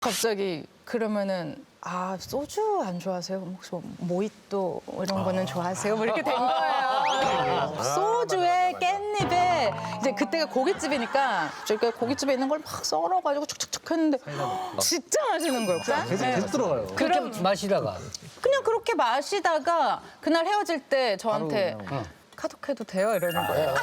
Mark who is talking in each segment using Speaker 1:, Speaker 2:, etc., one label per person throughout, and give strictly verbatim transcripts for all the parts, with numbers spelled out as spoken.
Speaker 1: 갑자기 그러면은 아 소주 안 좋아하세요? 혹시 뭐 모히또 이런 거는 좋아하세요? 뭐 이렇게 된 거예요. 소주에 깻잎에 이제 그때가 고깃집이니까 저희가 고깃집에 있는 걸 막 썰어가지고 촉촉촉 했는데 진짜 맛있는 거예요.
Speaker 2: 계속 계속 들어가요.
Speaker 3: 그렇게 마시다가
Speaker 1: 그냥 그렇게 마시다가 그날 헤어질 때 저한테 카톡해도 돼요? 이러는 거예요.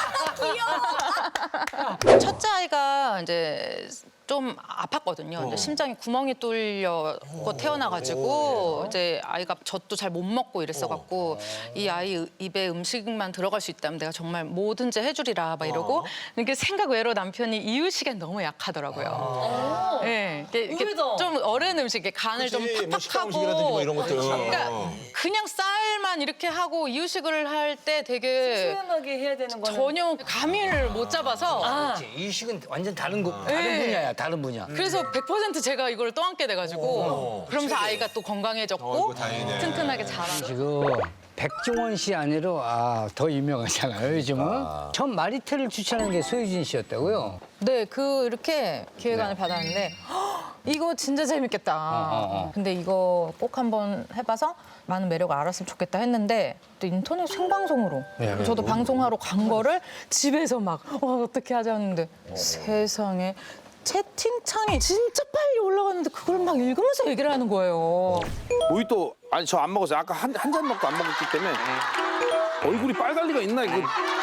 Speaker 1: 첫째 아이가 이제 좀 아팠거든요. 이제 심장에 구멍이 뚫려고 태어나가지고 이제 아이가 젖도 잘 못 먹고 이랬어갖고 이 아이 입에 음식만 들어갈 수 있다면 내가 정말 뭐든지 해주리라 막 이러고 이게 생각 외로 남편이 이유식에 너무 약하더라고요. 네, 이게, 이게 좀 어른 음식에 간을 좀
Speaker 4: 뭐 식당 음식이라든지
Speaker 1: 팍팍하고
Speaker 4: 뭐 이런 것들.
Speaker 1: 그러니까 그냥 쌀만 이렇게 하고 이유식을 할 때 되게
Speaker 5: 수염하게 해야 되는 거는
Speaker 1: 전혀 감을 못 잡아서
Speaker 3: 이식은 완전 다른 거 다른 분야야 다른 분야.
Speaker 1: 그래서 백 퍼센트 제가 이걸 떠안게 돼가지고 그러면서 아이가 또 건강해졌고
Speaker 4: 어이구, 다행이네.
Speaker 1: 튼튼하게 자라고
Speaker 3: 지금 백종원 씨 아내로 아, 더 유명하잖아요 요즘은. 처음 마리텔을 추천한 게 소유진 씨였다고요?
Speaker 1: 네, 그 이렇게 기획안을 받았는데 헉, 이거 진짜 재밌겠다.
Speaker 3: 어.
Speaker 1: 근데 이거 꼭 한번 해봐서 많은 매력을 알았으면 좋겠다 했는데 또 인터넷 생방송으로
Speaker 3: 네,
Speaker 1: 저도 방송하러 간 거를 집에서 막 와, 어떻게 하자 했는데 세상에 채팅창이 진짜 빨리 올라갔는데 그걸 막 읽으면서 얘기를 하는 거예요.
Speaker 6: 모히또 아니 저 안 먹었어요. 아까 한 한 잔 먹고 안 먹었기 때문에 얼굴이 빨갈 리가 있나 이거.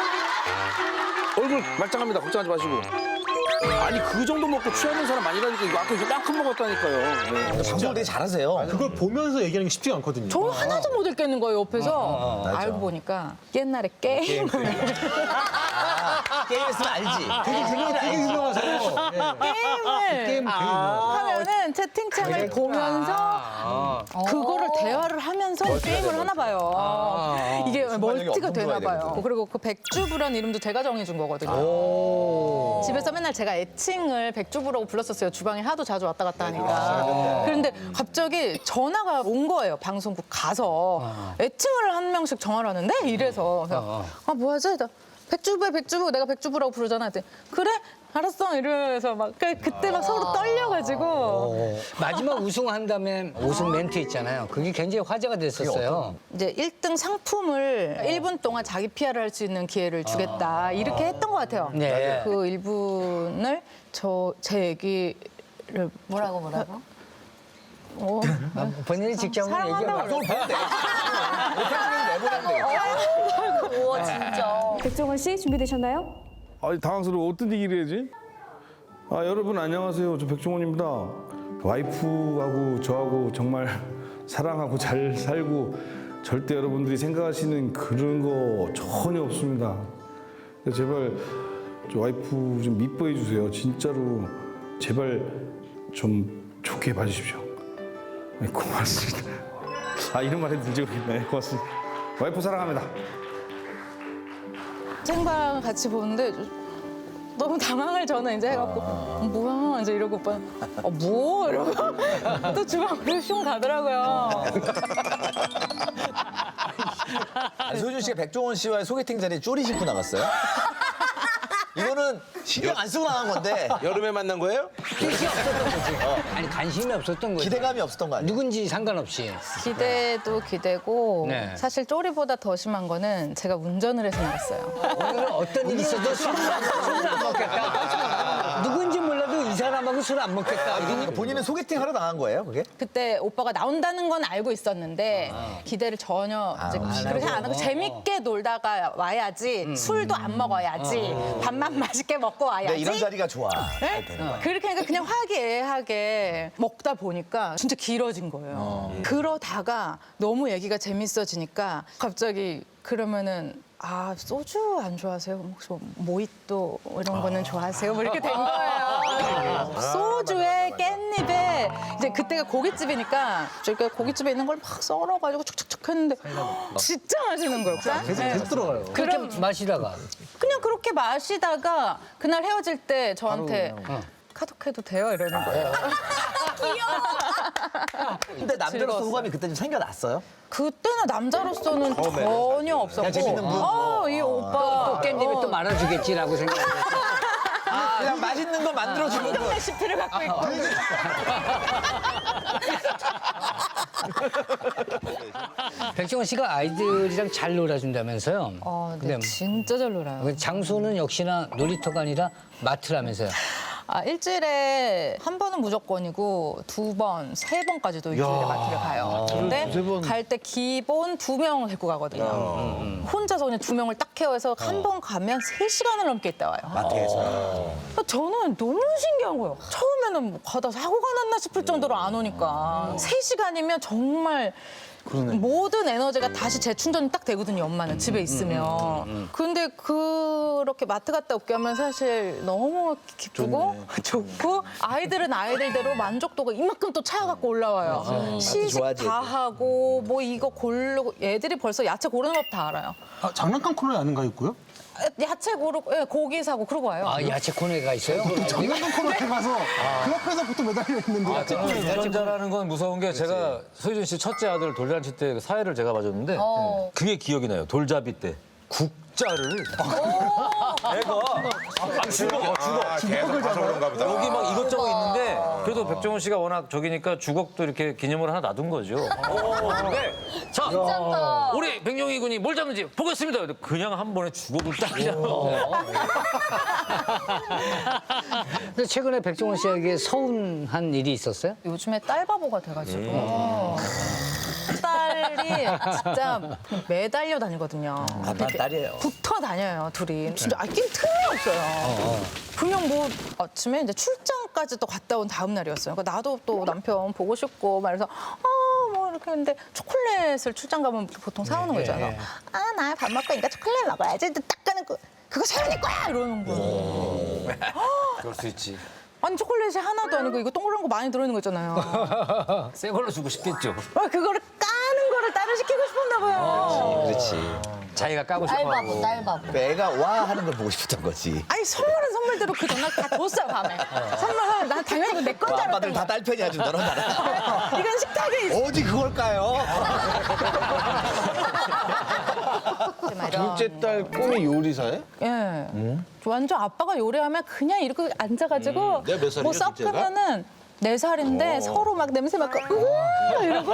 Speaker 6: 얼굴 말짱합니다. 걱정하지 마시고. 아니 그 정도 먹고 취하는 사람 아니라니까 이거 아까 이만큼 먹었다니까요. 네.
Speaker 4: 방송을 되게 잘하세요.
Speaker 2: 그걸 보면서 얘기하는 게 쉽지가 않거든요.
Speaker 1: 저 하나도 못 읽겠는 거예요, 옆에서. 알고 보니까 옛날에 게임을
Speaker 4: 게임했으면 알지.
Speaker 2: 되게 되게 되게 유명하세요.
Speaker 1: 게임을
Speaker 2: 게임 되게 유명하세요.
Speaker 1: 하면은 채팅창을 보면서 그거를 대화를 하면서 게임을 하나 봐요. 이게 멀티가
Speaker 4: 엄청
Speaker 1: 되나
Speaker 4: 좋아야
Speaker 1: 봐요.
Speaker 4: 되거든.
Speaker 1: 그리고 그 백주부란 이름도 제가 정해준 거거든요. 집에서 맨날 제가 애칭을 백주부라고 불렀었어요. 주방에 하도 자주 왔다 갔다 하니까. 그런데 갑자기 전화가 온 거예요. 방송국 가서 애칭을 한 명씩 정하라는데 이래서 그래서 아 뭐하지? 나 백주부야 백주부 내가 백주부라고 부르잖아. 그랬더니 그래? 알았어 이러면서 막 그- 그때 막 서로 떨려가지고
Speaker 3: 마지막 우승한 다음에 우승 멘트 있잖아요. 그게 굉장히 화제가 됐었어요.
Speaker 1: 이제 일 등 상품을 일 분 동안 자기 피아르 할 수 있는 기회를 주겠다 이렇게 했던 것 같아요.
Speaker 3: 네.
Speaker 1: 그 일 분을 저 제 얘기를
Speaker 5: 뭐라고 뭐라고?
Speaker 1: 어,
Speaker 3: 아, 본인이 직접 한번
Speaker 1: 사랑한다고
Speaker 3: 얘기해봐.
Speaker 5: 우와 진짜.
Speaker 7: 백종원 씨 준비되셨나요?
Speaker 6: 아니 당황스러워. 어떤 얘기를 해야지? 아 여러분 안녕하세요. 저 백종원입니다. 와이프하고 저하고 정말 사랑하고 잘 살고 절대 여러분들이 생각하시는 그런 거 전혀 없습니다. 그래서 제발 저 와이프 좀 미뻐해 주세요. 진짜로 제발 좀 좋게 봐주십시오. 네, 고맙습니다. 아 이런 말 해도 되지 모르겠네. 고맙습니다. 와이프 사랑합니다.
Speaker 1: 생방 같이 보는데 너무 당황을 저는 이제 해갖고 뭐야 이제 이러고 오빠 어, 뭐 이러고 또 주방으로 슝 가더라고요.
Speaker 4: 아니, 소유진 씨가 백종원 씨와의 소개팅 자리에 쪼리 신고 나갔어요? 이거는 신경 안 쓰고 나간 건데
Speaker 8: 여름에 만난 거예요?
Speaker 3: 뜻이 없었던 거지. 아니 관심이 없었던 거지.
Speaker 4: 기대감이 없었던 거 아니에요?
Speaker 3: 누군지 상관없이.
Speaker 1: 기대도 기대고
Speaker 3: 네.
Speaker 1: 사실 쪼리보다 더 심한 거는 제가 운전을 해서 나갔어요.
Speaker 3: 오늘은 어떤 일이 있어도 술을 술을 안 먹겠다. 누군지 몰라도 이 사람하고 술 안 먹겠다.
Speaker 4: 그러니까 본인은 소개팅 하러 나간 거예요, 그게?
Speaker 1: 그때 오빠가 나온다는 건 알고 있었는데 기대를 전혀 이제 그렇게 안 하고 재밌게 놀다가 와야지 술도 안 먹어야지 밥만 맛있게 먹고 와야지.
Speaker 4: 네, 이런 자리가 좋아.
Speaker 1: 네? 그렇게 하니까 그냥 화기애애하게 먹다 보니까 진짜 길어진 거예요. 그러다가 너무 얘기가 재밌어지니까 갑자기 그러면은 아 소주 안 좋아하세요? 혹시 뭐 모히또 이런 거는 좋아하세요? 뭐 이렇게 된 거예요. 소주에 깻잎에 이제 그때가 고깃집이니까 저희가 고깃집에 있는 걸 막 썰어가지고 촉촉촉 했는데 진짜 맛있는 거예요.
Speaker 2: 계속
Speaker 1: 네.
Speaker 2: 계속 들어가요.
Speaker 3: 그렇게 마시다가
Speaker 1: 그냥 그렇게 마시다가 그날 헤어질 때 저한테 카톡해도 돼요? 이러는 거예요.
Speaker 4: 근데 남자로서
Speaker 1: 즐거웠어요.
Speaker 4: 호감이 그때 좀 생겨났어요?
Speaker 1: 그때는 남자로서는 전혀 없었고
Speaker 4: 재밌는 분?
Speaker 1: 아, 이 오빠
Speaker 3: 또 깻잎이 또 말아주겠지라고 생각했어.
Speaker 4: 아, 그냥 맛있는 거 만들어주는 거.
Speaker 1: 레시피를 갖고 있고.
Speaker 3: 백종원 씨가 아이들이랑 잘 놀아준다면서요?
Speaker 1: 어, 네,
Speaker 3: 근데
Speaker 1: 진짜 잘 놀아요.
Speaker 3: 그 장소는 역시나 놀이터가 아니라 마트라면서요?
Speaker 1: 아, 일주일에 한 번은 무조건이고 두 번, 세 번까지도 일주일에 마트를 가요. 근데 갈 때 기본 두 명 데리고 가거든요. 혼자서 그냥 두 명을 딱 케어해서 한 번 가면 세 시간을 넘게 있다 와요.
Speaker 4: 마트에서.
Speaker 1: 저는 너무 신기한 거예요. 처음에는 뭐 가다 사고가 났나 싶을 정도로 안 오니까. 세 시간이면 정말 모든 에너지가 다시 재충전이 딱 되거든요, 엄마는 집에 있으면. 근데 그렇게 마트 갔다 올게 하면 사실 너무 기쁘고 좋고 아이들은 아이들대로 만족도가 이만큼 또 차갖고 올라와요. 시식
Speaker 4: 좋아하지,
Speaker 1: 다
Speaker 4: 애들.
Speaker 1: 하고 뭐 이거 고르고 애들이 벌써 야채 고르는 법 다 알아요.
Speaker 2: 아, 장난감 코너에 아는가 있고요?
Speaker 1: 야채 고르고 예, 고기 사고 그러고 와요.
Speaker 3: 아, 야채 코너가 있어요?
Speaker 2: 장난감 코너에 가서 그 옆에서 보통 매달려 있는데.
Speaker 7: 저는 유전자라는 건 무서운 게 제가 소희준 씨 첫째 아들 돌잔치 때그 사회를 제가 봐줬는데
Speaker 5: 어.
Speaker 7: 그게 기억이 나요. 돌잡이 때 국자를 애가 아, 죽어 죽어
Speaker 8: 계속 가서 그런가 보다.
Speaker 7: 여기 막 이것저것 있는데 그래도 백종원 씨가 워낙 저기니까 주걱도 이렇게 기념으로 하나 놔둔 거죠. 근데 자 우리 백종희 군이 뭘 잡는지 보겠습니다. 근데 그냥 한 번에 주걱을 딱 잡아.
Speaker 3: 근데 최근에 백종원 씨에게 서운한 일이 있었어요?
Speaker 1: 요즘에 딸바보가 돼가지고 딸이 진짜 매달려 다니거든요.
Speaker 4: 아, 난 딸이에요.
Speaker 1: 붙어 다녀요 둘이. 진짜 아낀 틈이 없어요. 분명 뭐 아침에 이제 출장까지 또 갔다 온 다음 날이었어요. 그러니까 나도 또 남편 보고 싶고 말해서 아뭐 이렇게 했는데 초콜릿을 출장 가면 보통 사오는 거 있잖아요. 아 나 밥 먹고니까 초콜릿 먹어야지. 근데 딱 가는 거 그거 서연이 거야 이러는 거예요.
Speaker 7: 그럴 수 있지.
Speaker 1: 아니 초콜릿이 하나도 아니고 이거 동그란 거 많이 들어있는 거 있잖아요.
Speaker 7: 새 걸로 주고 싶겠죠.
Speaker 1: 아, 그거를 까는 거를 딸을 시키고 싶었나 봐요.
Speaker 4: 그렇지.
Speaker 7: 자기가 까고 싶어.
Speaker 5: 딸바보, 딸바보.
Speaker 4: 그 애가 와 하는 걸 보고 싶었던 거지.
Speaker 1: 아니 선물은 선물대로 그 전날 다 줬어요 밤에. 선물은 난 당연히 이거 내 건 줄
Speaker 4: 아빠들
Speaker 1: 알았던
Speaker 4: 다
Speaker 1: 거야.
Speaker 4: 딸편이야 좀 너랑 나랑.
Speaker 1: 이건 식탁에 있어.
Speaker 4: 어디 그걸까요?
Speaker 2: 둘째 딸 꿈이 요리사예요?
Speaker 1: 예. 완전 아빠가 요리하면 그냥 이렇게 앉아가지고
Speaker 8: 내가 몇 살이냐,
Speaker 1: 뭐
Speaker 8: 둘째가?
Speaker 1: 섞으면은 네 살인데 서로 막 냄새 맡고 으아 이러고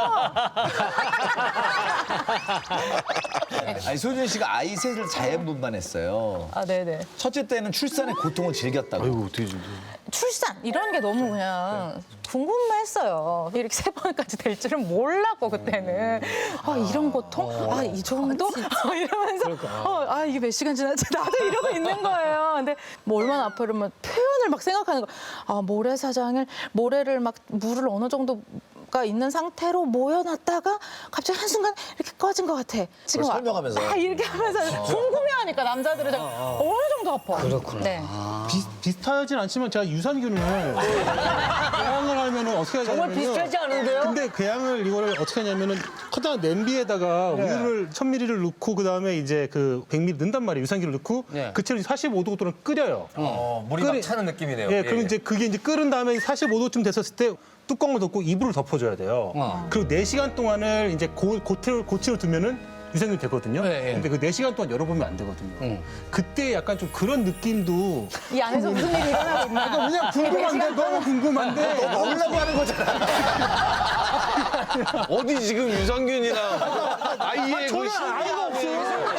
Speaker 4: 아니 소준 씨가 아이 셋을 자연분만했어요.
Speaker 1: 아 네네.
Speaker 4: 첫째 때는 출산의 고통을 즐겼다고.
Speaker 2: 아이고 어떻게 좀.
Speaker 1: 출산 이런 게 너무 그냥 궁금했어요. 이렇게 세 번까지 될 줄은 몰랐고 그때는 아 이런 고통, 아 이 정도 어, 이러면서 어, 아 이게 몇 시간 지났지 나도 이러고 있는 거예요. 근데 뭐 얼마나 아파 이러면 표현을 막 생각하는 거. 아 모래사장을 모래를 막 물을 어느 정도 가 있는 상태로 모여놨다가 갑자기 한순간 이렇게 꺼진 것 같아. 지금
Speaker 4: 그걸 설명하면서.
Speaker 1: 아, 이렇게 하면서 궁금해하니까 남자들은 어느 정도 아파. 그렇구나. 네.
Speaker 2: 비, 비슷하진 않지만 제가 유산균을 궤양을 하면은 어떻게 하냐면요.
Speaker 3: 정말 비슷하지 않은데요?
Speaker 2: 근데 궤양을 이거를 어떻게 하냐면은 커다란 냄비에다가 우유를 천 밀리리터를 넣고 그다음에 이제 그 백 밀리리터 넣는단 말이에요. 유산균을 넣고
Speaker 3: 네.
Speaker 2: 그 채로 사십오 도 동안 끓여요.
Speaker 7: 어, 물이 막 차는 느낌이네요.
Speaker 2: 예, 그럼 이제 그게 이제 끓은 다음에 사십오 도쯤 됐었을 때 뚜껑을 덮고 이불을 덮어줘야 돼요.
Speaker 3: 어.
Speaker 2: 그리고 네 시간 동안을 이제 고, 고체로, 고체로 두면은 유산균이 되거든요.
Speaker 3: 네, 네.
Speaker 2: 근데 그 네 시간 동안 열어보면 안 되거든요.
Speaker 3: 응.
Speaker 2: 그때 약간 좀 그런 느낌도
Speaker 1: 이 안에서 무슨 일이 일어나고 있나?
Speaker 2: 그냥 궁금한데 너무 궁금한데
Speaker 4: 먹으려고 하는 거잖아.
Speaker 8: 어디 지금 유산균이랑 아이의 그
Speaker 2: 아이가 없어요.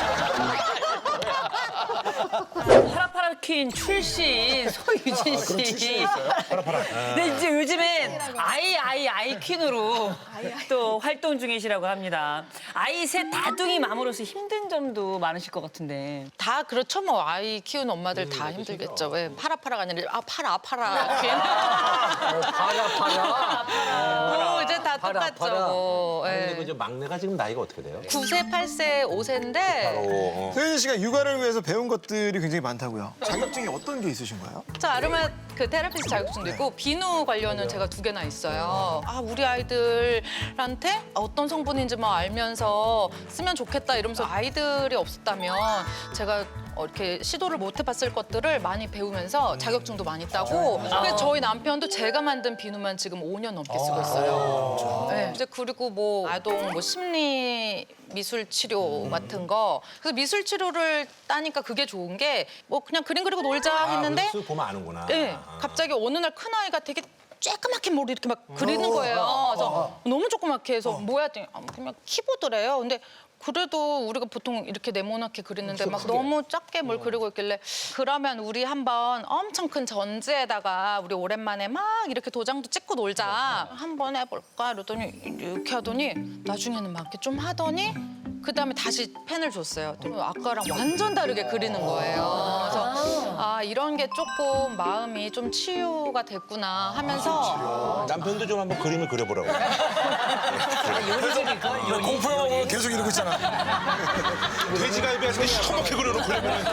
Speaker 5: 파라파라 퀸 출신 소유진 씨. 근데 이제 요즘엔 아이 아이 아이 퀸으로 또 활동 중이시라고 합니다. 아이 셋 다둥이 맘으로서 힘든 점도 많으실 것 같은데.
Speaker 1: 다 그렇죠 뭐 아이 키우는 엄마들 다 힘들겠죠. 왜 파라파라가 아니라 아 파라 파라.
Speaker 3: 파라 파라.
Speaker 1: 뭐 이제 다
Speaker 3: 파라,
Speaker 1: 똑같죠.
Speaker 3: 파라.
Speaker 1: 뭐.
Speaker 8: 근데
Speaker 1: 예.
Speaker 8: 그 이제 막내가 지금 나이가 어떻게 돼요?
Speaker 1: 구 세, 팔 세, 오 세인데
Speaker 9: 소윤 씨가 육아를 위해서 배운 것들이 굉장히 많다고요. 자격증이 어떤 게 있으신 거예요?
Speaker 1: 저 아르마 그 테라피스트 자격증도 있고 비누 관련은 제가 두 개나 있어요. 아 우리 아이들한테 어떤 성분인지 막 알면서 쓰면 좋겠다 이러면서 아이들이 없었다면 제가 어, 이렇게 시도를 못 해봤을 것들을 많이 배우면서 자격증도 많이 따고 그래서 저희 남편도 제가 만든 비누만 지금 오 년 넘게 쓰고 있어요. 네. 이제 그리고 뭐 아동 뭐 심리 미술 치료 같은 거 그래서 미술 치료를 따니까 그게 좋은 게 뭐 그냥 그림 그리고 놀자 했는데
Speaker 8: 쓱 보면 아는구나.
Speaker 1: 네, 갑자기 어느 날 큰 아이가 되게 쬐끄맣게 뭘 이렇게 막 그리는 거예요. 그래서 너무 조그맣게 해서 뭐야 했더니 아, 그냥 키보드래요. 근데 그래도 우리가 보통 이렇게 네모나게 그리는데 막 너무 작게 뭘 그리고 있길래 그러면 우리 한번 엄청 큰 전지에다가 우리 오랜만에 막 이렇게 도장도 찍고 놀자. 한번 해볼까 이러더니 이렇게 하더니 나중에는 막 이렇게 좀 하더니 그다음에 다시 펜을 줬어요. 또 아까랑 완전 다르게 그리는 거예요. 그래서 아 이런 게 조금 마음이 좀 치유가 됐구나 하면서
Speaker 8: 남편도 좀 한번 그림을 그려보라고.
Speaker 9: 공포영화 보면 계속 이러고 있잖아.
Speaker 8: 돼지갈비에서 시커멓게 그려놓고 그러면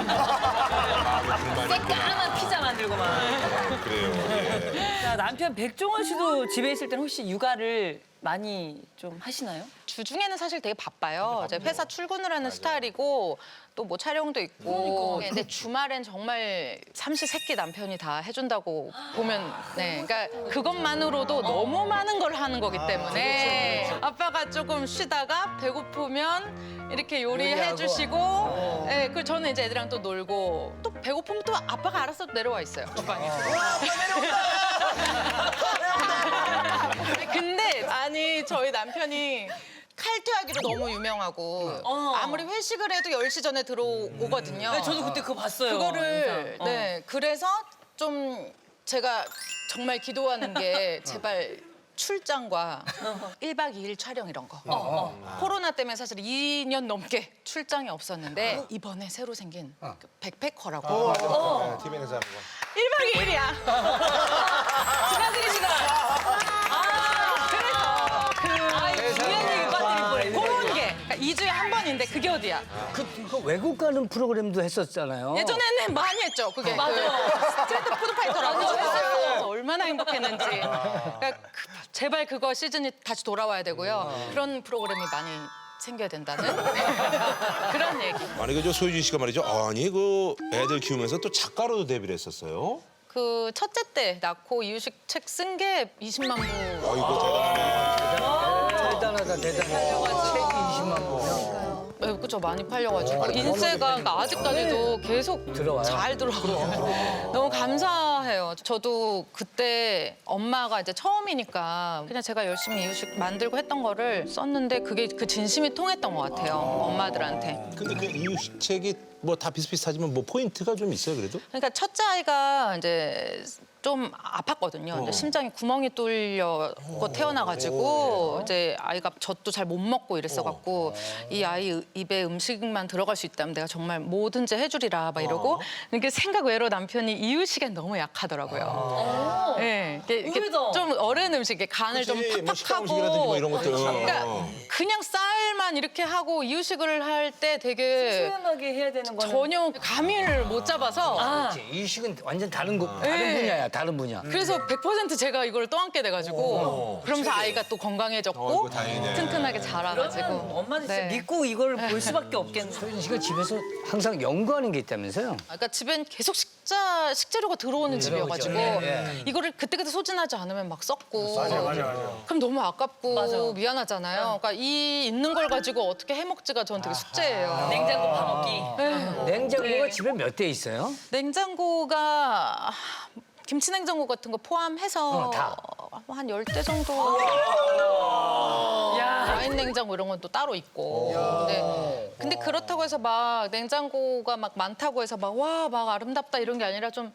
Speaker 5: 새까만 피자 만들고 막.
Speaker 8: 그래요. 예.
Speaker 5: 자, 남편 백종원 씨도 집에 있을 때는 혹시 육아를 많이 좀 하시나요?
Speaker 1: 주중에는 사실 되게 바빠요. 이제 회사 출근을 하는 스타일이고 또 뭐 촬영도 있고. 근데 주말엔 정말 삼시세끼 남편이 다 해준다고 보면 네. 그러니까 그것만으로도 너무 많은 걸 하는 거기 때문에 아빠가 조금 쉬다가 배고프면 이렇게 요리해 주시고 네, 그 저는 이제 애들이랑 또 놀고 또 배고프면 또 아빠가 알아서 내려와 있어요. 주방에. 근데 아니 저희 남편이 칼퇴하기로 너무 유명하고
Speaker 5: 어.
Speaker 1: 아무리 회식을 해도 열 시 전에 들어오거든요.
Speaker 5: 네, 저도 그때 그거 봤어요.
Speaker 1: 그거를
Speaker 5: 영상. 어.
Speaker 1: 네 그래서 좀 제가 정말 기도하는 게 제발 출장과 일 박 이 일 촬영 이런 거. 코로나 때문에 사실 이 년 넘게 출장이 없었는데 이번에 새로 생긴 그 백패커라고
Speaker 8: 티비에서 하는 거.
Speaker 1: 일 박 이 일이야.
Speaker 5: 축하드립니다. 아, 그래서 그 중요한 얘기 빠뜨릴 뻔했네.
Speaker 1: 그런 게 그러니까 이 주에 한 번인데 그게 어디야?
Speaker 3: 그, 그 외국 가는 프로그램도 했었잖아요.
Speaker 1: 예전에는 많이 했죠. 그게
Speaker 5: 맞아.
Speaker 1: 그 스트리트 푸드 파이터라고 했어요. 얼마나 행복했는지. 그러니까 그- 제발 그거 시즌이 다시 돌아와야 되고요. 그런 프로그램이 많이 생겨야 된다는 그런 얘기.
Speaker 8: 아니 그저 소유진 씨가 말이죠. 아니 그 애들 키우면서 또 작가로도 데뷔를 했었어요.
Speaker 1: 그 첫째 때 낳고 이유식 책 쓴 게 이십만 부.
Speaker 8: 아이고 대단하네.
Speaker 3: 대단하다, 대단하다. 책 이십만 부면.
Speaker 1: 네, 그쵸 많이 팔려가지고 인세가 그러니까 아직까지도 계속
Speaker 3: 들어와요?
Speaker 1: 잘 들어와요. 너무 감사해요. 저도 그때 엄마가 이제 처음이니까 그냥 제가 열심히 이유식 만들고 했던 거를 썼는데 그게 그 진심이 통했던 것 같아요. 엄마들한테.
Speaker 8: 근데 그 이유식 책이 뭐 다 비슷비슷하지만 뭐 포인트가 좀 있어요 그래도?
Speaker 1: 그러니까 첫째 아이가 이제 좀 아팠거든요. 이제 심장에 구멍이 뚫려고 태어나가지고 이제 아이가 젖도 잘 못 먹고 이랬어갖고 이 아이 입에 음식만 들어갈 수 있다면 내가 정말 뭐든지 해주리라 막 이러고 이게 생각 외로 남편이 이유식엔 너무 약하더라고요. 네, 이게, 이게
Speaker 5: 의외다.
Speaker 1: 좀 어른 음식에 간을 좀
Speaker 8: 그치, 뭐 식당 음식이라든지
Speaker 1: 팍팍하고
Speaker 8: 뭐 이런 것들.
Speaker 1: 그러니까
Speaker 8: 어.
Speaker 1: 그냥 쌀만 이렇게 하고 이유식을 할 때 되게
Speaker 5: 수염하게 해야 되는 거는
Speaker 1: 전혀 감을 못 잡아서
Speaker 5: 아,
Speaker 3: 이식은 완전 다른 거, 다른
Speaker 1: 네.
Speaker 3: 분야야, 다른 분야.
Speaker 1: 그래서 백 퍼센트 제가 이걸 떠안게 돼가지고 그러면서 아이가 또 건강해졌고
Speaker 8: 어이구, 다행이네.
Speaker 1: 튼튼하게 자라가지고
Speaker 5: 그러면 엄마는 진짜
Speaker 1: 네.
Speaker 5: 믿고 이걸 볼 수밖에 없겠네.
Speaker 3: 소윤 씨가 집에서 항상 연구하는 게 있다면서요?
Speaker 1: 그러니까 집엔 계속 식자 식재료가 들어오는 집이어가지고
Speaker 3: 네,
Speaker 1: 이거를 그때그때 소진하지 않으면 막 썩고 그럼 너무 아깝고
Speaker 5: 맞아.
Speaker 1: 미안하잖아요. 그러니까 이 있는 걸 가지고 어떻게 해먹지가 저는 되게 숙제예요.
Speaker 5: 냉장고 파먹기.
Speaker 1: 네.
Speaker 3: 냉장고가 집에 몇 대 있어요?
Speaker 1: 냉장고가 김치 냉장고 같은 거 포함해서
Speaker 3: 어, 다.
Speaker 1: 한 열 대 정도.
Speaker 5: 야,
Speaker 1: 와인 냉장고 이런 건 또 따로 있고. 근데, 근데 그렇다고 해서 막 냉장고가 막 많다고 해서 막 와 막 아름답다 이런 게 아니라 좀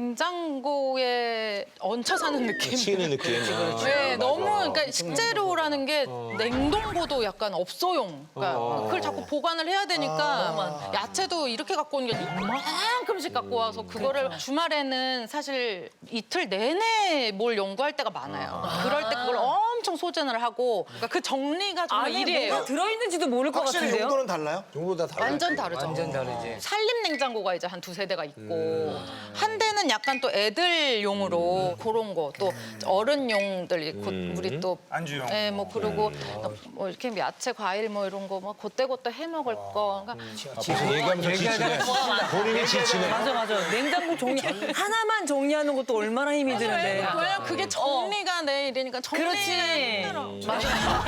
Speaker 1: 냉장고에 얹혀 사는 느낌.
Speaker 8: 치이는 느낌.
Speaker 1: 네, 너무 그러니까 식재료라는 게 냉동고도 약간 업소용. 그러니까 그걸 자꾸 보관을 해야 되니까 야채도 이렇게 갖고 오는 게 이만큼씩 갖고 와서 그거를 주말에는 사실 이틀 내내 뭘 연구할 때가 많아요. 그럴 때 그걸 엄청 엄청 소진을 하고 그러니까 그 정리가 정말
Speaker 5: 안에
Speaker 1: 일이에요.
Speaker 5: 뭐가 들어있는지도 모를 것
Speaker 9: 확실히
Speaker 5: 같은데요?
Speaker 9: 용도는 달라요?
Speaker 4: 정도 다 달라요.
Speaker 1: 완전 다르죠.
Speaker 3: 완전 다르지.
Speaker 1: 살림 냉장고가 이제 한 두세 대가 있고 한 대는 약간 또 애들용으로 그런 거 또 어른용들 있고 우리 또
Speaker 9: 안주용.
Speaker 1: 예, 뭐 그리고 뭐 이렇게 야채 과일 뭐 이런 거 뭐 그때그때 해 먹을 거. 그러니까
Speaker 8: 얘기하면서 지치네. 본인이 지치네.
Speaker 5: 맞아 맞아. 냉장고 정리 하나만 정리하는 것도 얼마나 힘이 드는데.
Speaker 1: 왜냐면 그게 정리가 내 일이니까 정리가
Speaker 5: 그렇지.
Speaker 1: 힘들어.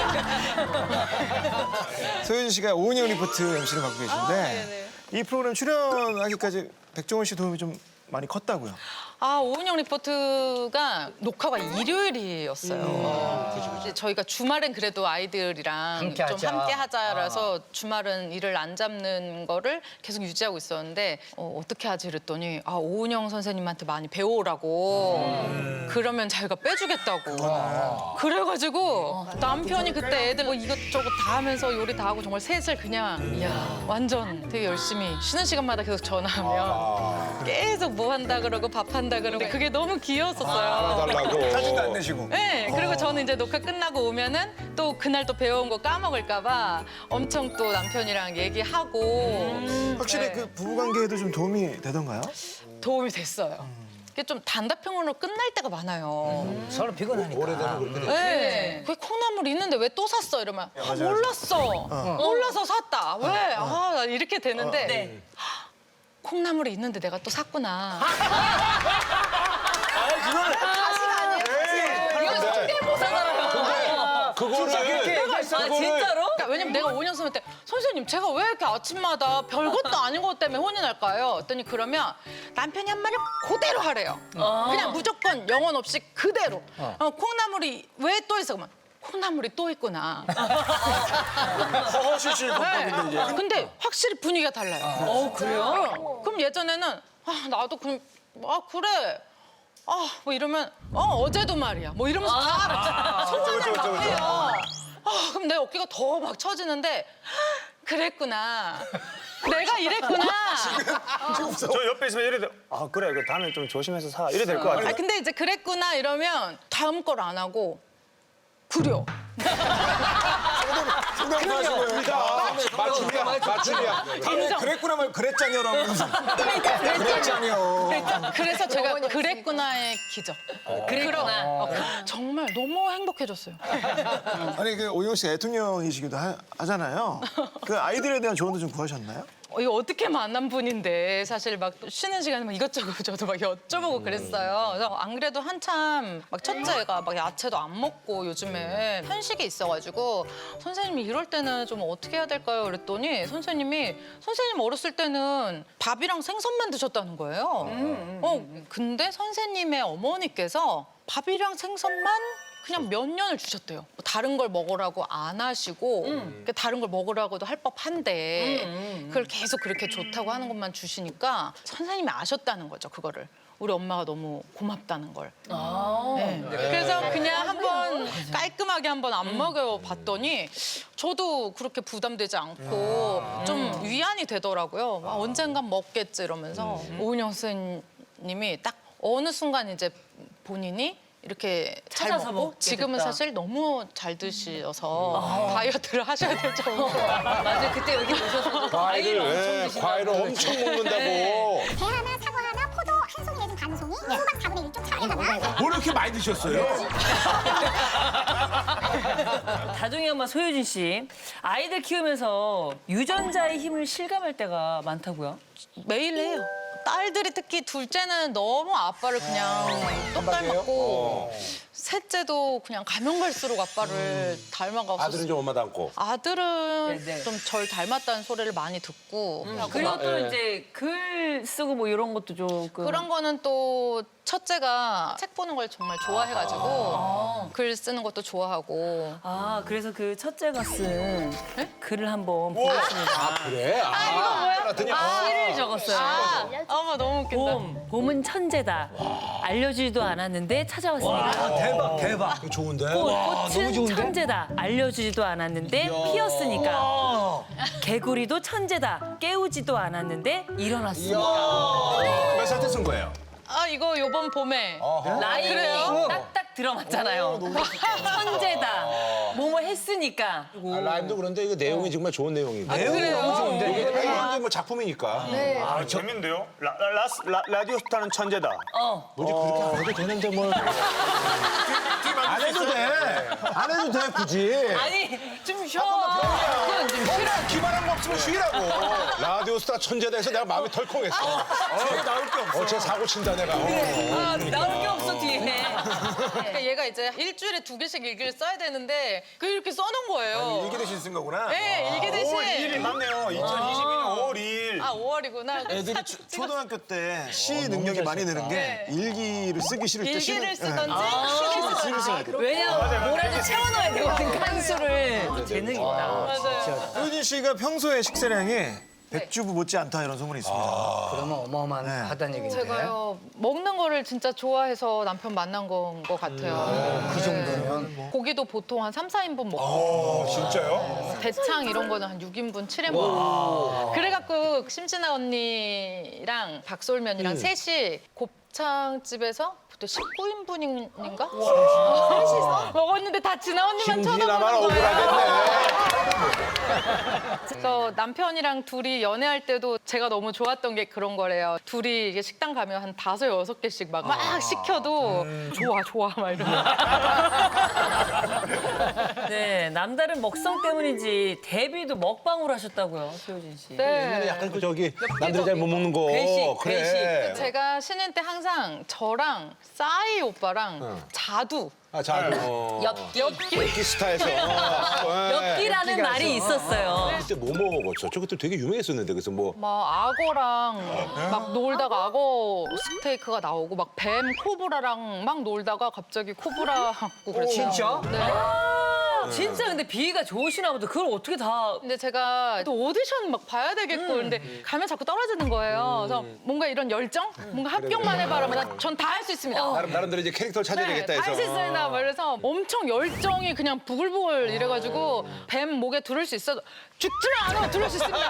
Speaker 9: 소유진 씨가 오은영 리포트 엠씨를 맡고 계신데 이 프로그램 출연하기까지 백종원 씨 도움이 좀 많이 컸다고요.
Speaker 1: 아, 오은영 리포트가 녹화가 일요일이었어요. 이제 저희가 주말엔 그래도 아이들이랑
Speaker 3: 함께
Speaker 1: 좀
Speaker 3: 하자.
Speaker 1: 함께 하자라서 주말은 일을 안 잡는 거를 계속 유지하고 있었는데 어, 어떻게 하지 이랬더니 아, 오은영 선생님한테 많이 배우라고 그러면 자기가 빼주겠다고. 그래가지고 남편이 그때 애들 뭐 이것저것 다 하면서 요리 다 하고 정말 셋을 그냥 완전 되게 열심히 쉬는 시간마다 계속 전화하면 계속 뭐 한다 그러고 밥 한다 그러고 그게 너무 귀여웠었어요.
Speaker 8: 달라고.
Speaker 9: 사진도 안 내시고.
Speaker 1: 네, 그리고 저는 이제 녹화 끝나고 오면은 또 그날 또 배워온 거 까먹을까봐 엄청 또 남편이랑 얘기하고
Speaker 9: 확실히
Speaker 1: 네.
Speaker 9: 그 부부관계에도 좀 도움이 되던가요?
Speaker 1: 도움이 됐어요. 이게 좀 단답형으로 끝날 때가 많아요.
Speaker 3: 서로 피곤하니까.
Speaker 4: 오래되면 그렇게 돼.
Speaker 1: 네. 그 콩나물 있는데 왜 또 샀어? 이러면 아, 몰랐어. 몰라서 샀다. 왜? 아, 나 이렇게 되는데 하, 콩나물이 있는데 내가 또 샀구나.
Speaker 8: 그거를
Speaker 1: 아,
Speaker 5: 진짜로?
Speaker 1: 그러니까 왜냐면 내가 오은영 선생님한테 선생님 제가 왜 이렇게 아침마다 별것도 아닌 것 때문에 혼이 날까요? 했더니 그러면 남편이 한 말을 그대로 하래요. 그냥 무조건 영혼 없이 그대로. 어, 콩나물이 왜 또 있어? 그러면 콩나물이 또 있구나.
Speaker 9: 허허실실 건강인데 이제.
Speaker 1: 근데 확실히 분위기가 달라요.
Speaker 5: 어 그래요?
Speaker 1: 어, 그럼 예전에는 아, 나도 그럼 아 그래. 아, 뭐 이러면 어, 어제도 말이야. 뭐 이러면서 다 손전을 막 해요. 아, 그럼 내 어깨가 더 막 처지는데 그랬구나. 내가 이랬구나.
Speaker 9: 저 옆에 있으면 이래 돼. 아 그래, 그 다음에 좀 조심해서 사. 이래 될 것 같아.
Speaker 1: 아, 근데 이제 그랬구나 이러면 다음 걸 안 하고 구려.
Speaker 8: 맞춤이야. 맞춤이야.
Speaker 1: 인정.
Speaker 9: 그랬구나 말 그랬잖여라고. 그랬잖여.
Speaker 1: 그래서 제가 그랬구나의 기적.
Speaker 5: 그랬구나.
Speaker 1: 어, 그- 정말 너무 행복해졌어요.
Speaker 9: 아니 그 오은영 씨 애통령이시기도 하, 하잖아요. 그 아이들에 대한 조언도 좀 구하셨나요?
Speaker 1: 어, 이거 어떻게 만난 분인데 사실 막 쉬는 시간에 막 이것저것 저도 막 여쭤보고 그랬어요. 그래서 안 그래도 한참 막 첫째가 막 야채도 안 먹고 요즘에 편식이 있어가지고 선생님이 이럴 때는 좀 어떻게 해야 될까요? 그랬더니 선생님이 선생님 어렸을 때는 밥이랑 생선만 드셨다는 거예요. 어, 근데 선생님의 어머니께서 밥이랑 생선만 그냥 몇 년을 주셨대요. 다른 걸 먹으라고 안 하시고 그러니까 다른 걸 먹으라고도 할 법한데 그걸 계속 그렇게 좋다고 하는 것만 주시니까 선생님이 아셨다는 거죠, 그거를. 우리 엄마가 너무 고맙다는 걸. 네. 그래서 그냥 한번 깔끔하게 한번 안 먹여봤더니 저도 그렇게 부담되지 않고 좀 위안이 되더라고요. 아, 언젠간 먹겠지 이러면서 오은영 선생님이 딱 어느 순간 이제 본인이 이렇게 잘
Speaker 5: 찾아서
Speaker 1: 먹고
Speaker 5: 먹게
Speaker 1: 지금은
Speaker 5: 됐다.
Speaker 1: 사실 너무 잘 드셔서 다이어트를 하셔야 될 정도로.
Speaker 5: 맞아 그때 여기 오셔서
Speaker 8: 과일을 왜 과일을 엄청 먹는다고.
Speaker 10: 배 하나, 사과 하나, 포도 한 송이 내진 반 송이, 수박 사분의 일 쪽 차례 하나.
Speaker 8: 뭘 이렇게 많이 드셨어요?
Speaker 5: 다둥이 엄마 소유진 씨 아이들 키우면서 유전자의 힘을 실감할 때가 많다고요?
Speaker 1: 매일 해요. 딸들이 특히 둘째는 너무 아빠를 그냥 똑 닮았고 셋째도 그냥 가면 갈수록 아빠를 닮아가서
Speaker 8: 아들은 좀 엄마 닮고.
Speaker 1: 아들은
Speaker 5: 네, 네.
Speaker 1: 좀 절 닮았다는 소리를 많이 듣고
Speaker 5: 그리고 또 이제 글 쓰고 뭐 이런 것도 조금
Speaker 1: 그런 거는 또 첫째가 책 보는 걸 정말 좋아해가지고 글 쓰는 것도 좋아하고
Speaker 5: 아 그래서 그 첫째가 쓴 글을 한번 보겠습니다.
Speaker 8: 그래? 아,
Speaker 5: 시를 적었어요.
Speaker 1: 아, 어머 너무 웃긴다.
Speaker 5: 봄, 봄은 천재다. 알려주지도 않았는데 찾아왔습니다.
Speaker 4: 대박 대박. 이거 좋은데?
Speaker 5: 꽃, 꽃은 천재다. 알려주지도 않았는데 피었으니까. 개구리도 천재다. 깨우지도 않았는데 일어났으니까.
Speaker 4: 몇 살 때 쓴 거예요?
Speaker 1: 아 이거 요번 봄에
Speaker 5: 라임이
Speaker 1: 그래요?
Speaker 5: 딱딱 들어맞잖아요. 천재다. 뭐뭐 했으니까.
Speaker 8: 아, 라임도 그런데 이거 내용이 정말 좋은 내용이고.
Speaker 4: 내용이 너무 좋은데.
Speaker 8: 이게 이게 뭐 작품이니까.
Speaker 9: 아, 재밌는데요? 라, 라, 라, 라디오 스타는 천재다.
Speaker 5: 어.
Speaker 8: 뭐지 그렇게 안 해도 되는데 뭘.
Speaker 4: 안 해도 돼. 안 해도 돼, 굳이.
Speaker 5: 아니 좀 쉬어.
Speaker 8: 그건 좀 쉬라. 기만한 거 없으면 쉬라고. 라디오 스타 천재다 해서 내가 마음이 덜컹했어.
Speaker 9: 쟤 나올 게 없어.
Speaker 8: 어, 쟤 사고 친다 내가. 어.
Speaker 5: 아, 나올 게 없어 뒤에.
Speaker 1: 그러니까 얘가 이제 일주일에 두 개씩 일기를 써야 되는데 그 이렇게 써놓은 거예요.
Speaker 9: 일기 대신 쓴 거구나.
Speaker 1: 네, 일기 대신.
Speaker 9: 오월 일 일 맞네요. 이천이십이 년 오월 이 일.
Speaker 1: 아, 오월이구나.
Speaker 9: 애들이 초, 초등학교 때 시 능력이 많이 느는 게
Speaker 1: 네.
Speaker 9: 일기를 쓰기 싫을 때
Speaker 1: 일기를
Speaker 9: 시는-
Speaker 1: 쓰던지
Speaker 9: 예.
Speaker 1: 시를
Speaker 9: 시를 써야 돼.
Speaker 5: 왜냐면 뭐라도 채워넣어야 되거든 칸수를. 재능 있다.
Speaker 1: 맞아요.
Speaker 9: 소유진 씨가 평소에 식사량이 백주부 못지 않다 이런 소문이 있습니다.
Speaker 3: 그러면 어마어마하다는 얘기인데.
Speaker 1: 제가요 먹는 거를 진짜 좋아해서 남편 만난 건 것 같아요.
Speaker 3: 그 정도면.
Speaker 1: 고기도 보통 한 삼, 사 인분 먹고
Speaker 9: 어, 진짜요?
Speaker 1: 대창 이런 거는 한 육 인분, 칠 인분. 그래갖고 심진아 언니랑 박솔면이랑 셋이 곱창집에서 그때 십구 인분인가? 먹었는데 다 진아 언니만
Speaker 8: 김진아만
Speaker 1: 쳐다보는 거예요.
Speaker 8: 억울하겠네.
Speaker 1: 그래서 남편이랑 둘이 연애할 때도 제가 너무 좋았던 게 그런 거래요. 둘이 이게 식당 가면 한 다섯 여섯 개씩 막, 막 시켜도 좋아 좋아 막 이러면서.
Speaker 5: 네, 남다른 먹성 때문인지 데뷔도 먹방으로 하셨다고요, 소유진 씨.
Speaker 1: 네.
Speaker 8: 약간 그 저기 남들이 잘 못 먹는 거.
Speaker 5: 괴식,
Speaker 8: 그래.
Speaker 1: 제가 신인 때 항상 저랑 싸이 오빠랑 자두
Speaker 8: 아, 자, 어.
Speaker 5: 엽기.
Speaker 8: 엽기 스타에서. 어,
Speaker 5: 엽기라는 말이 있었어요.
Speaker 8: 그때 뭐 먹었죠? 저 그때 되게 유명했었는데 그래서 뭐.
Speaker 1: 막 악어랑 막 놀다가 악어 스테이크가 나오고 막 뱀 코브라랑 막 놀다가 갑자기 코브라 하고 그랬어요.
Speaker 3: 진짜?
Speaker 1: 네.
Speaker 5: 진짜 근데 비위가 좋으시나 보다. 그걸 어떻게 다.
Speaker 1: 근데 제가 또 오디션 막 봐야 되겠고 근데 가면 자꾸 떨어지는 거예요. 그래서 뭔가 이런 열정? 뭔가 합격만 해봐라. 전 다 할 수 있습니다.
Speaker 8: 나름, 나름대로 이제 캐릭터를 찾아야 되겠다 해서.
Speaker 1: 할 수 있어요. 나 그래서 엄청 열정이 그냥 부글부글 이래가지고 뱀 목에 두를 수 있어. 죽지는 않아. 두를 수 있습니다.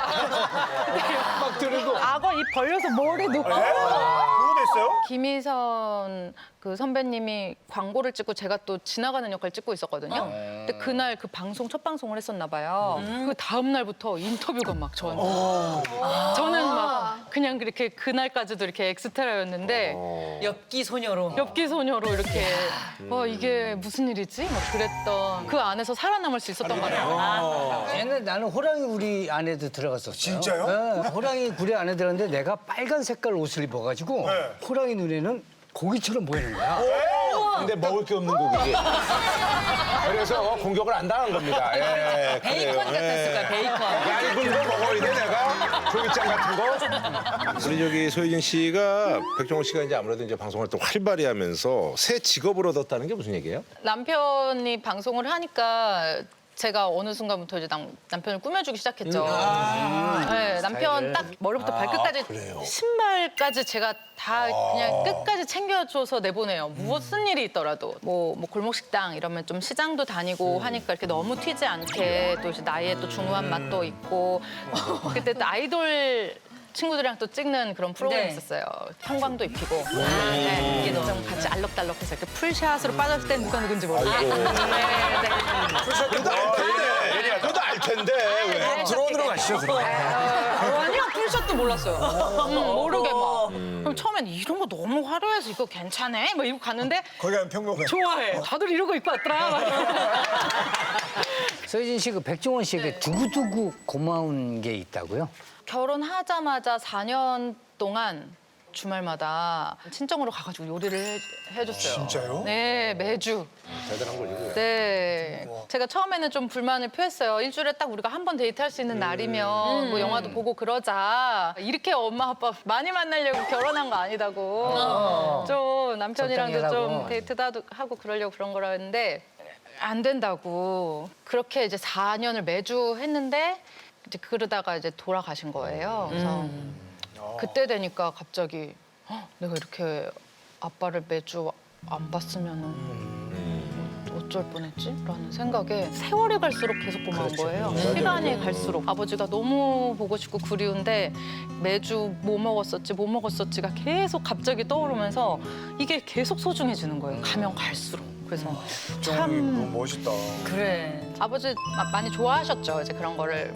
Speaker 1: 막 두르고. 악어 입 벌려서 머리 놓고.
Speaker 9: 그거 됐어요?
Speaker 1: 김희선 그 선배님이 광고를 찍고 제가 또 지나가는 역할 찍고 있었거든요. 근데 그날 그 방송 첫 방송을 했었나 봐요. 그 다음 날부터 인터뷰가 막 저한테. 저는 막 그냥 그렇게 그날까지도 이렇게 엑스트라였는데
Speaker 5: 엽기 소녀로.
Speaker 1: 엽기 소녀로 이렇게 와 이게 무슨 일이지? 막 그랬던 그 안에서 살아남을 수 있었던 거예요.
Speaker 3: 옛날에 나는 호랑이 우리 안에도 들어갔었어요.
Speaker 9: 진짜요?
Speaker 3: 네, 호랑이 구리 안에 들어갔는데 내가 빨간 색깔 옷을 입어가지고 호랑이 눈에는 고기처럼 보이는 거야.
Speaker 8: 근데 먹을 게 없는 고기지. 그래서 공격을 안 당한 겁니다. 예,
Speaker 5: 베이컨
Speaker 8: 그래요.
Speaker 5: 같았을 거야, 베이컨.
Speaker 8: 얇은 거 먹어야 돼, 내가. 조기장 같은 거. 우리 저기 소유진 씨가 백종원 씨가 이제 아무래도 이제 방송 활동 활발히 하면서 새 직업을 얻었다는 게 무슨 얘기예요?
Speaker 1: 남편이 방송을 하니까 제가 어느 순간부터 이제 남, 남편을 꾸며주기 시작했죠. 네, 남편 딱 머리부터 발끝까지 신발까지 제가 다 그냥 끝까지 챙겨줘서 내보내요. 무슨 일이 있더라도 뭐, 뭐 골목식당 이러면 좀 시장도 다니고 하니까 이렇게 너무 튀지 않게 또 이제 나이에 또 중후한 맛도 있고 그때 또 아이돌 친구들이랑 또 찍는 그런 프로그램이
Speaker 5: 네.
Speaker 1: 있었어요. 형광도 입히고 네, 이게 좀 같이 알록달록해서 이렇게 풀샷으로 빠졌을 땐 누가 누군지 모르고 네, 네.
Speaker 8: 그래도 알 텐데. 그래도 알 텐데. 왜?
Speaker 9: 드론으로 가시죠, 드론.
Speaker 1: 아니야 풀샷도 몰랐어요. 음, 모르게 막. 그럼 처음엔 이런 거 너무 화려해서 이거 괜찮아? 막 이러고 갔는데
Speaker 9: 거기 가면 평범해.
Speaker 1: 좋아해. 다들 이러고 입고 왔더라. 막
Speaker 3: 서유진 씨, 그 백종원 씨에게 두고두고 고마운 게 있다고요?
Speaker 1: 결혼하자마자 사 년 동안 주말마다 친정으로 가가지고 요리를 해, 해줬어요.
Speaker 9: 진짜요?
Speaker 1: 네, 매주.
Speaker 8: 대단한 걸요.
Speaker 1: 네. 제가 처음에는 좀 불만을 표했어요. 일주일에 딱 우리가 한 번 데이트할 수 있는 날이면 뭐 영화도 보고 그러자. 이렇게 엄마 아빠 많이 만나려고 결혼한 거 아니다고. 좀 남편이랑도 좀
Speaker 3: 적당히
Speaker 1: 데이트도 하도- 하고 그러려고 그런 거라 했는데 안 된다고. 그렇게 이제 사 년을 매주 했는데 이제 그러다가 이제 돌아가신 거예요. 그래서 그때 되니까 갑자기 헉, 내가 이렇게 아빠를 매주 안 봤으면은 어쩔 뻔했지? 라는 생각에 세월이 갈수록 계속 고마운 거예요. 시간이 갈수록 아버지가 너무 보고 싶고 그리운데 매주 뭐 먹었었지 뭐 먹었었지가 계속 갑자기 떠오르면서 이게 계속 소중해지는 거예요. 가면 갈수록. 그래서
Speaker 9: 너무
Speaker 1: 참
Speaker 9: 멋있다.
Speaker 5: 그래.
Speaker 1: 아버지 마- 많이 좋아하셨죠. 이제 그런 거를.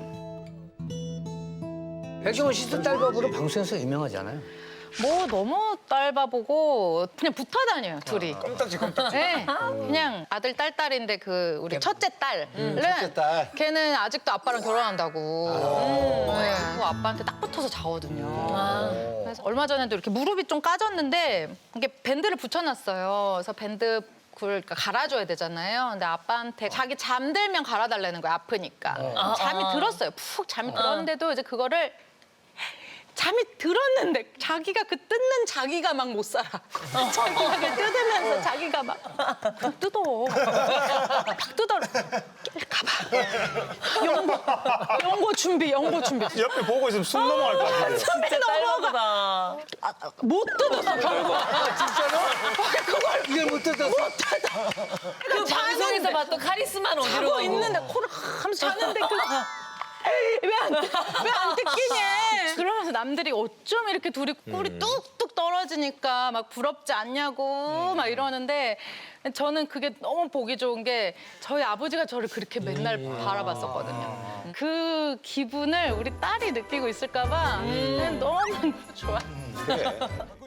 Speaker 3: 백종원 씨도 딸바보로 방송에서 유명하잖아요.
Speaker 1: 뭐 너무 딸바보고 그냥 붙어 다녀요 둘이.
Speaker 9: 껌딱지 껌딱지.
Speaker 1: 네, 그냥 아들 딸딸인데 그 우리 첫째 딸은
Speaker 4: 첫째 딸.
Speaker 1: 걔는 아직도 아빠랑 결혼한다고. 음, 네. 그 아빠한테 딱 붙어서 자거든요. 그래서 얼마 전에도 이렇게 무릎이 좀 까졌는데 이게 밴드를 붙여놨어요. 그래서 밴드 그걸 갈아줘야 되잖아요. 근데 아빠한테 자기 잠들면 갈아달라는 거야 아프니까. 잠이 들었어요. 푹 잠이 들었는데도 이제 그거를 잠이 들었는데 자기가 그 뜯는 자기가 막 못 살아. 자기가 그 뜯으면서 자기가 막 그럼 뜯어. 막 뜯어라. 가봐. 영보. 영보 준비. 영보 준비.
Speaker 9: 옆에 보고 있으면 숨 넘어갈 것 같아요.
Speaker 1: 진짜
Speaker 5: 딸바보다.
Speaker 1: 아, 못 뜯었어 결국. 진짜로? 그걸
Speaker 3: 이게 못 뜯었어.
Speaker 1: 못 뜯어.
Speaker 5: 그 방송에서 봤던 카리스마는 어디로
Speaker 1: 자고
Speaker 5: 가고.
Speaker 1: 있는데 코를 하면서 자는데 그 왜안 왜 안 뜯기냐? 그러면서 남들이 어쩜 이렇게 둘이 꿀이 뚝뚝 떨어지니까 막 부럽지 않냐고 막 이러는데 저는 그게 너무 보기 좋은 게 저희 아버지가 저를 그렇게 맨날 바라봤었거든요. 그 기분을 우리 딸이 느끼고 있을까 봐 너무 좋아.
Speaker 4: 그래.